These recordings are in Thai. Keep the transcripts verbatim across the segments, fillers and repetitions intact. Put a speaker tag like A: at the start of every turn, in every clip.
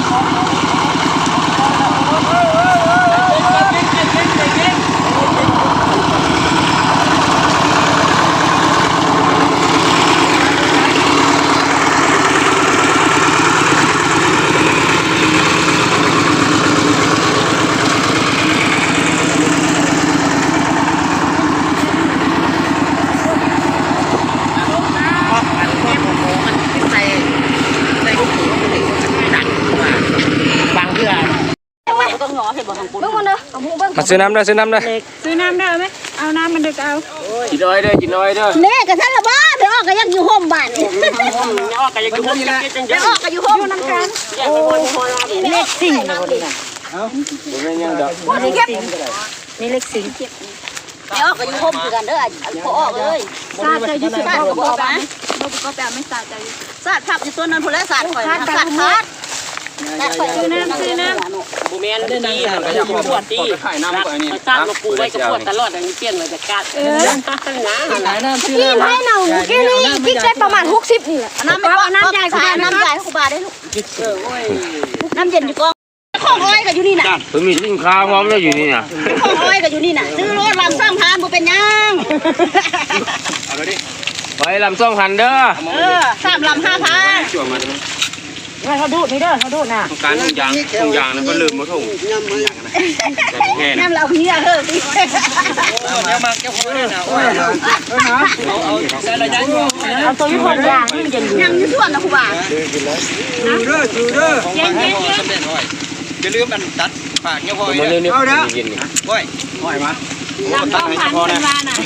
A: มาซื้อน้ำได้ซื้อน้ำได้
B: ซื้อน้ำได้ไหมเอาน้ำมันเด็กเอา
A: กินน้อยเด้อกินน้อยเด้อ
C: เน่กระทั่งละบ้าเดี๋ยวออกก็ยังอยู่ห้องบ้านนี่
A: ออกก็ยังอยู่ห้องนี่
C: เดี๋ยวออกก็อยู่ห้องน้ำกันโอ้เล็กสิ่งนะคนนี้นะ
A: เอ้าเป็นยังดอก
C: นี่เก็บนี่เล็กสิ่งเก็บเดี๋ยวออกก็อยู่ห้องคือกันเด้อพอออกเลย
B: สาดใจยุ่งสาดก็บอกนะบอกก็แปลไม่สาดใจ
C: สาดผับอยู่ตัวนั้นพุ่นแล้วสาดข่อยสาดขาด
B: ซื้อน้ำซื้อน้ำ
D: บูแมนดีมันก็จะปวดดีสร้างมาปูไว้กับปวดตลอดอย่างนี้เปลี่ยนเลยจากการเออนะหลายน้ำซื้อน้ำ
C: ให้เราแค่นี้กิ๊กได้ประมาณหกสิบนี่แหละน้ำไม่พอน้ำใหญ่ค่ะน้ำใหญ่ขูบาได้ลูกน้ำเย็นอยู่กองของอ้อยกับอยู่นี่น่ะ
A: เพิ่งมีสินค้าพร้อมแล้วอยู่นี่น่ะ
C: ของอ้อยกับอยู่นี่น่ะซื้อรถลำสร้างพานบ่เป็นยัง
A: เอาไปดิไปลำสองพันเด้อ
C: เออสามลำห้าพัน
B: ว่าเขาดูนี่เด้อเขาดูน่ะ
A: การทุกอย่างทุกอย่างนั้นก็ลืมหมดทุก
C: น้ำเราเฮียเฮ้ย
D: เนี่ยมาเจ้าของเนี่ยนะโอ้ยเอาเอาใส่ระยะอยู่
B: เอาตัวยี่ห้อยางนี่มันจะ
C: ยังอยู่ส่วนนะครูบา
D: จูเด้อจูเด้อเย็นเย็นเย็นอย่าลืมมันตัดปากเนี่ยพอ
A: เอาเด้อ
D: โอ้ยโอ้ยมา
B: ตัดให้พอนะ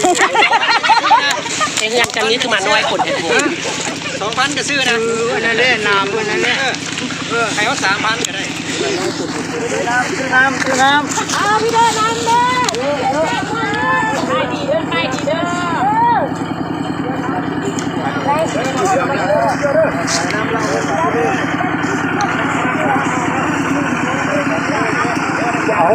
D: เอ็งยังจังนี้คือมาน้อยคนเห็นสองพันก็ซื้อนะ
A: นั่นแหละน้ำนั่นแหละ
D: เออให้เขาสามพันก็ได้
A: ซื้อน้ำซื้อน้ำซื้อน้ำ
B: เอาพี่เด้อน้ำเด้อไปดีเด้อไปดีเด้อ
A: เอา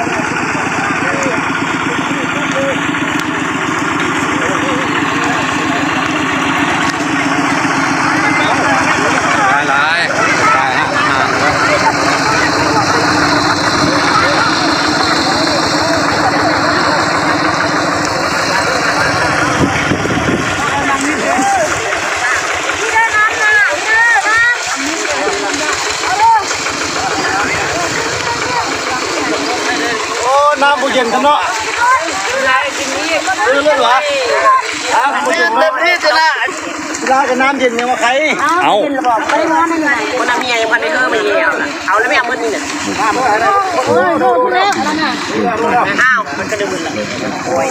A: น้ำบุเย็นกันเนาะเรื่องเหรอเต็มที่จะละลากับน้ำเย็นเนี่ยมาใคร
C: เอาไปร้อนยังไง
D: คนน้ำเมียยังพันไม่เพิ่มมาเยี่ยวเอาแล้วไม่เอาเมื่อนี่เนี่ย
C: โอ้ยโดนแล้วนั่นน่ะ
D: อ้าวมันก็ดึงมือละโอ้ย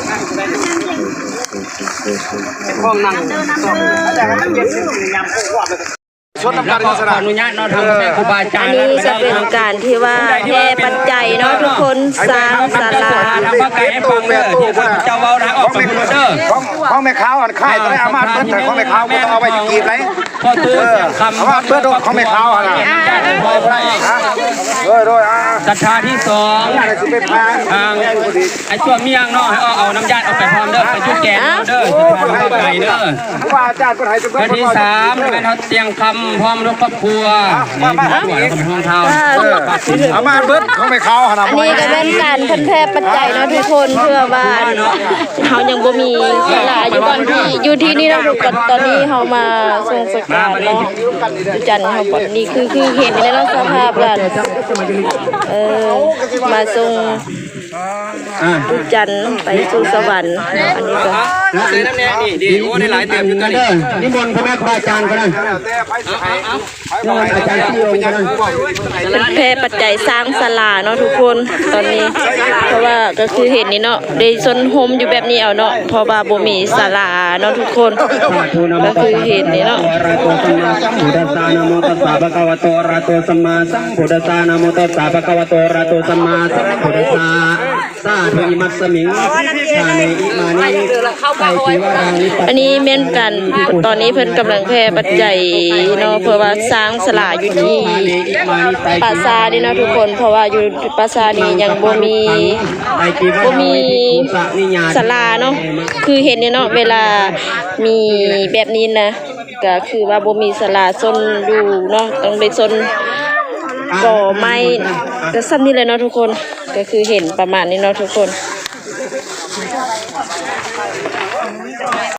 A: ห้องนั่งแต่น้ำเย็นยำโคตรชนน้ำกันขออนุญาตเนาะทำให้ครูบาอาจารย์
E: อันนี้จะเป็นการที่ว่าแห่ปัจจัยเนาะทุกคนสร้างศาลา
A: ทำว่าไก่ให้ฟังเด้อเจ้าเว้านะออกไปเด้อของของแม่ค้าอันค่ายตอนแรกอามาเปิดแต่ของแม่ค้าก็ต้องเอาไปกีบไรพอตื้อคำอามาเปิดของแม่ค้าอ่ะนะด้วยด้วยอ่า
D: ศรัทธาที่สองทางไอ้ช่วงเมียงเนาะให้เอาน้ำยาเอาไปพร้อมเด้อไปจุดแกงเด้อไก่เด้อ
A: ว่าอาจารย์ก็ให้จะเปิด
D: ที่สามเป็นเขาเตียงคำพร้อมลูกครอบครัวนี่สวยของห้องเท้า
A: อามาเปิดของแม่ค้า
E: อันนี้ก็เป็นการเพิ่นแพร่ปัจจัยเนาะทุกคนเพื่อว่าเฮายังบ่มีศาลาอยู่ตอนที่อยู่ที่นี่เนาะทุกคนตอนนี้เฮามาส่งสการเนาะจันทร์เฮาก่อนนี่คือคือเห็นในลักษณะภาพกันเออมาส่งจันทร์ไปสู่สวรรค์อันนี้ก็
D: น้ำเตยน้ำแน่นี่ดีโอ้ได้หลายเต็มอยู่ตัวนี้
A: นิมนต์พระแม่ครูอาจารย์ก็ได้
E: เพิ่นแพร่ปัจจัยสร้างศาลาเนาะทุกคนตอนนี้เพราะว่าก็คือเห็นนี่เนาะได้ซนโฮมอยู่แบบนี้เอาเนาะเพราะว่าบ่มีศาลาเนาะทุกคนก็คือเห็นนี่เนาะ
A: อะระโตสัมมาสัมพุทธัสสะนะโมตัสสะภะคะวะโตอะระโตสัมมาสัมพุทธัสสะนะโมตัสสะภะคะวะโตอะระโตสัมมาสัมพุทธัสสะสาธุอิมัสสมิงชาเนอิมานิไตติวรานิ
E: อันนี้แม่นกันตอนนี้เพิ่นกำลังแพร่ปัจจัยเนาะเพื่อว่าสร้างศาลาอยู่ที่ปราสาทนี่เนาะทุกคนเพราะว่าอยู่ปราสาทนี่ยังบ่มีบ่มีศาลาเนาะคือเห็นนี่เนาะเวลามีแบบนี้นะก็คือว่าบ่มีศาลาซนอยู่เนาะต้องได้ซนก่อไม้จะซ้ำนี่เลยเนาะทุกคนก็คือเห็นประมาณนี้เนาะทุกคน